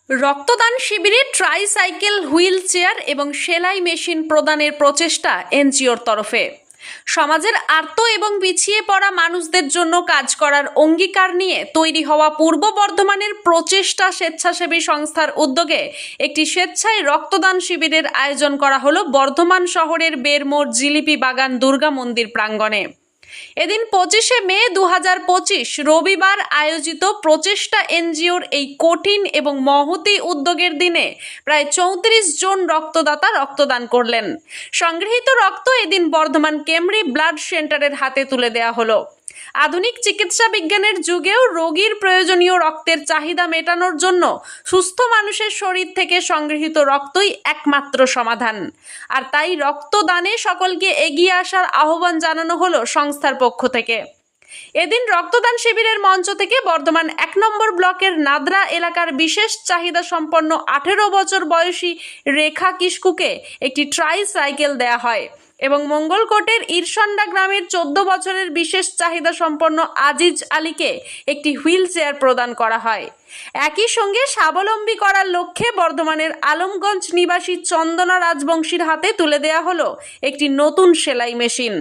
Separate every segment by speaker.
Speaker 1: রক্তদান শিবিরে tricycle, wheel chair এবং সেলাই মেশিন প্রদানের প্রচেষ্টা এনজিওর তরফে। সমাজের আর্ত এবং পিছিয়ে পড়া মানুষদের জন্য কাজ করার অঙ্গীকার নিয়ে তৈরি হওয়া পূর্ব বর্ধমানের প্রচেষ্টা স্বেচ্ছাসেবী সংস্থার উদ্যোগে একটি স্বেচ্ছায় রক্তদান শিবিরের আয়োজন করা হলো বর্ধমান শহরের বেরমোড় জিলিপি বাগান দুর্গা মন্দির প্রাঙ্গণে। এদিন 25শে মে 2025 রবিবার আয়োজিত প্রচেষ্টা এনজিওর এই কঠিন এবং মহতী উদ্যোগের দিনে প্রায় 34 জন রক্তদাতা রক্তদান করলেন। সংগৃহীত রক্ত এদিন বর্ধমান কেমরি ব্লাড সেন্টারের হাতে তুলে দেওয়া হলো। আধুনিক চিকিৎসা বিজ্ঞানের যুগেও রোগীর প্রয়োজনীয় রক্তের চাহিদা মেটানোর জন্য সুস্থ মানুষের শরীর থেকে সংগৃহীত রক্তই একমাত্র সমাধান। আর তাই রক্তদানে সকলকে এগিয়ে আসার আহ্বান জানানো হলো সংস্থার পক্ষ থেকে। এদিন রক্তদান শিবিরের মঞ্চ থেকে বর্ধমান 1 নম্বর ব্লকের নাদরা এলাকার বিশেষ চাহিদা সম্পন্ন 18 বছর বয়সী রেখা কিস্কুকে একটি ট্রাইসাইকেল দেয়া হয় এবং মঙ্গলকোটের ইরসন্ডা গ্রামের 14 বছরের বিশেষ চাহিদা সম্পন্ন আজিজ আলীকে একটি হুইল চেয়ার প্রদান করা হয়। একই সঙ্গে স্বাবলম্বী করার লক্ষ্যে বর্ধমানের আলমগঞ্জ নিবাসী চন্দনা রাজবংশীর হাতে তুলে দেওয়া হলো একটি নতুন সেলাই মেশিন।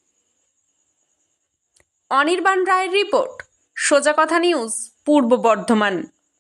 Speaker 1: অনির্বাণ রায়ের রিপোর্ট, সোজা কথা নিউজ, পূর্ব বর্ধমান।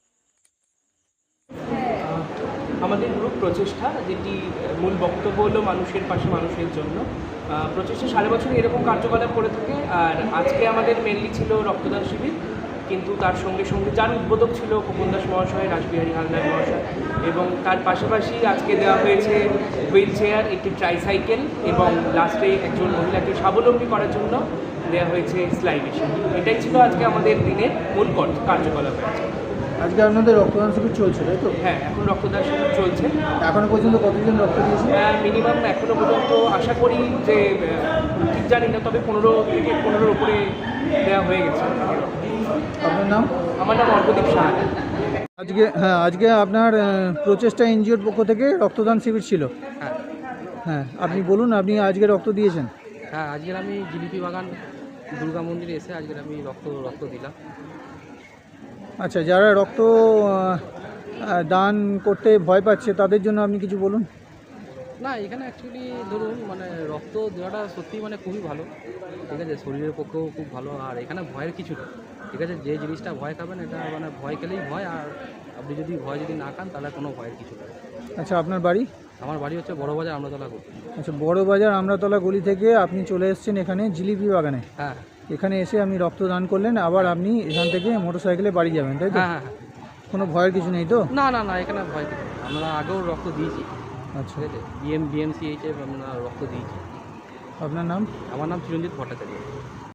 Speaker 2: আমাদের গ্রুপ প্রচেষ্টা, যেটি মূল বক্তব্য হলো মানুষের পাশে মানুষের জন্য। প্রচেষ্টা সারা বছরই এরকম কার্যকলাপ করে থাকে। আর আজকে আমাদের মেনলি ছিল রক্তদান শিবির, কিন্তু তার সঙ্গে সঙ্গে যার উদ্বোধক ছিল খোকন দাস মহাশয়, রাসবিহারী হালদার মহাশয়, এবং তার পাশাপাশি আজকে দেওয়া হয়েছে হুইল চেয়ার, একটি ট্রাইসাইকেল, এবং লাস্টে একজন মহিলাকে স্বাবলম্বী করার জন্য দেওয়া হয়েছে সেলাই মেশিন। এটাই ছিল আজকে আমাদের দিনের মূল কার্যকলাপ হয়েছে।
Speaker 3: আজকে আপনাদের রক্তদান শিবির চলছে, তাই তো?
Speaker 2: হ্যাঁ, এখন রক্তদান শিবির চলছে।
Speaker 3: এখনো পর্যন্ত কতজন রক্ত দিয়েছে?
Speaker 2: মিনিমাম এখনো পর্যন্ত আশা করি যে, ঠিক জানি না, তবে 15 থেকে 15-র উপরে দেওয়া হয়ে গেছে।
Speaker 3: আপনার নাম?
Speaker 2: আমার নাম অর্ঘদীপ সাহা।
Speaker 3: আজকে আপনার প্রচেষ্টা এনজিওর পক্ষ থেকে রক্তদান শিবির ছিল।
Speaker 4: হ্যাঁ
Speaker 3: হ্যাঁ, আপনি বলুন, আপনি আজকে রক্ত দিয়েছেন?
Speaker 4: হ্যাঁ, আজকের আমি জিলিপি বাগান দুর্গা মন্দিরে এসে আজকের আমি রক্ত দিলাম।
Speaker 3: আচ্ছা, যারা রক্ত দান করতে ভয় পাচ্ছে তাদের জন্য আপনি কিছু বলুন।
Speaker 4: না, এখানে অ্যাকচুয়ালি ধরুন রক্ত দেওয়াটা সত্যিই খুবই ভালো, ঠিক আছে, শরীরের পক্ষেও খুব ভালো। আর এখানে ভয়ের কিছু নেই, ঠিক আছে। যে জিনিসটা ভয় খাবেন, এটা ভয় খেলেই ভয়, আর আপনি যদি ভয় না খান তাহলে কোনো ভয়ের কিছু নেই।
Speaker 3: আচ্ছা, আপনার বাড়ি?
Speaker 4: আমার বাড়ি হচ্ছে বড়বাজার আমরাতলা গলি।
Speaker 3: আচ্ছা, বড়বাজার আমরাতলা গলি থেকে আপনি চলে এসেছেন এখানে জিলিপি বাগানে।
Speaker 4: হ্যাঁ,
Speaker 3: এখানে এসে আপনি রক্তদান করলেন, আবার আপনি এখান থেকে মোটরসাইকেলে বাড়ি যাবেন, তাই তো?
Speaker 4: হ্যাঁ হ্যাঁ।
Speaker 3: কোনো ভয়ের কিছু নেই তো?
Speaker 4: না না না, এখানে ভয় কিছু নেই। আমরা আগেও রক্ত দিয়েছি,
Speaker 3: আচ্ছা,
Speaker 4: ঠিক আছে, বিএমসিএইচে আমরা রক্ত দিয়েছি।
Speaker 3: আপনার নাম?
Speaker 4: আমার নাম চিরঞ্জিত ভট্টাচার্য।